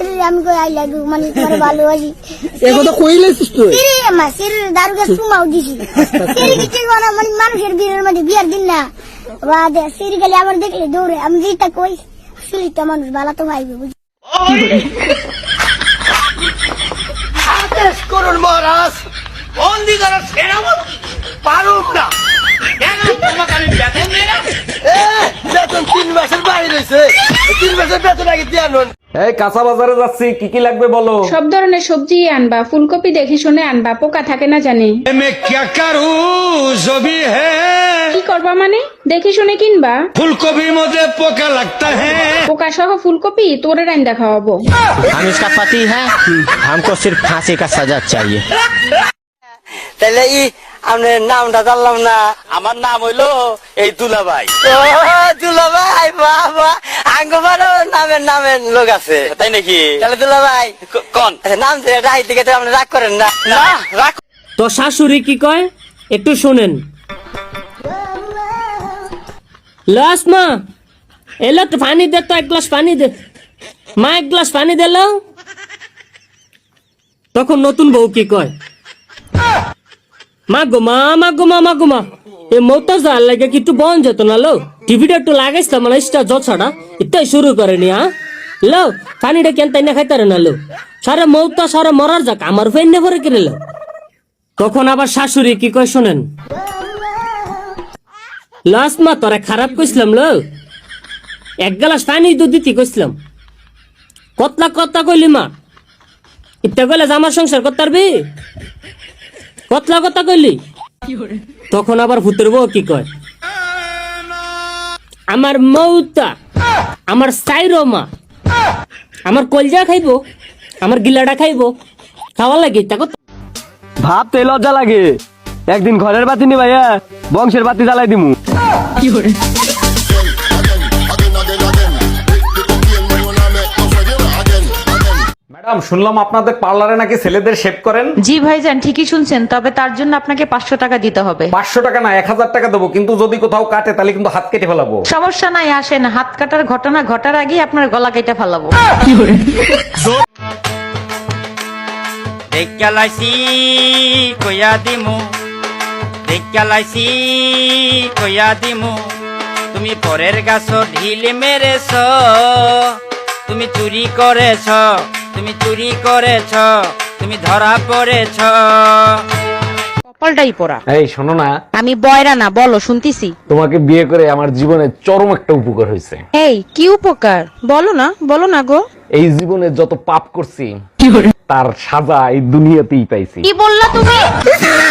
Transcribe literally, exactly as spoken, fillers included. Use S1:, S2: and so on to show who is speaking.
S1: সিরি আমি কই I love you মানে তোমার ভালোবাসি
S2: এই কথা কইলেছিস তুই
S1: সিরি মা সিরি দারু গাছ সুমাও দিছি সিরি কি কি না মানে মানুষের বিয়ের মধ্যে বিয়ার দিন না বাদ সিরি গেলে আমার দেখলে দৌড়ে আমি যেটা কই সিরি তো মানুষ ভালো তো ভাইবে বুঝি
S3: আদেশ করুন মহারাজ বন্দি করার সেনাপতি পারুক না কেন তোমাকে আমি বেতন দেই না বেতন তিন মাসের বাইরে রয়েছে তিন মাসের বেতন আগে দিয়ে আনুন।
S4: এই কাঁচা বাজারে যাচ্ছি, কি কি লাগবে বলো।
S5: সব ধরনের সবজি আনবা, ফুলকপি দেখে শুনে আনবা, পোকা থাকে না জানি।
S6: मैं क्या करूं जो भी है
S5: কি করবা মানে দেখে শুনে কিনবা।
S6: फूलगोभी मुझे पोका लगता है।
S5: পোকা সহ ফুলকপি তোরে রান্দা খাওয়াবো।
S7: हम इसका पति है, हमको सिर्फ फांसी का सजा चाहिए।
S3: তাহলে ই আপনার নামটা জানলাম না। আমার নাম হইলো এই দুলাভাই। ও দুলাভাই বাবা আঙ্গবারও নামের নামের লোক আছে তাই নাকি? তাহলে দুলাভাই কোন নাম যে রাই দিকে তো আপনি রাগ করেন না? না রাগ।
S8: তো শাশুড়ি কি কয় একটু শোনেন। লাস মা এলো তো পানি দে, তো এক গ্লাস পানি দে মা, এক গ্লাস পানি দিল। তখন নতুন বউ কি কয়, মা গো মা মা গো মা মা গো মা এ মৌতা যার লাগে কি একটু বন যেত না লো, টিভিটা একটু লাগাইছিলাম মানে ইস্টা জছাড়া ইত্যাই শুরু করেনি। হ্যাঁ লো পানিটা কেন তাই না খাইতারে না লো, সারে মৌতা সারে মরার যাক আমার ফেন ভরে কিনে লো। তখন আবার শাশুড়ি কি কয় শোনেন, লাস্ট মা তোরা খারাপ কইছিলাম লো, এক গ্লাস পানি দুধ দিতে কইছিলাম, কতলা কথা কইলি মা, ইত্যা কইলে আমার সংসার করতে পারবি, কতলা কথা কইলি। তখন আবার ভূতের বউ কি কয়, আমার মৌতা আমার সাইরো মা আমার কলজা খাইবো, আমার গিলাটা খাইবো, খাওয়া লাগে তা কথা।
S7: ভাবতে লজ্জা লাগে, একদিন ঘরের বাতি নি ভাইয়া বংশের বাতি জ্বালাই দিমু।
S4: ম্যাডাম শুনলাম আপনাদের পার্লারে নাকি ছেলেদের শেভ করেন।
S9: জি ভাইজান ঠিকই শুনছেন, তবে তার জন্য আপনাকে পাঁচশো টাকা দিতে হবে।
S4: পাঁচশো টাকা না এক হাজার টাকা দেবো, কিন্তু যদি কোথাও কাটে তাহলে কিন্তু হাত কেটে ফেলাবো।
S9: সমস্যা নাই, আসেন, হাত কাটার ঘটনা ঘটার আগে আপনার গলা কেটে ফেলাবো।
S3: দেখালাইছি কইয়া দিমু দেখালাইছি কইয়া দিমু তুমি পরের গাছ ঢিল মেরেছ, তুমি চুরি করেছ, তুমি চুরি করেছ, তুমি ধরা পড়েছ।
S9: কপালটাই পোড়া।
S4: এই শোনো না,
S9: আমি বয়রা না, বলো শুনতিছি।
S4: তোমাকে বিয়ে করে আমার জীবনে চরম একটা উপকার হয়েছে।
S9: এই কি উপকার বলো না, বলো না গো।
S4: এই জীবনে যত পাপ করছি তার সাজা এই দুনিয়াতেই পাইছি।
S9: কি বললা তুমি?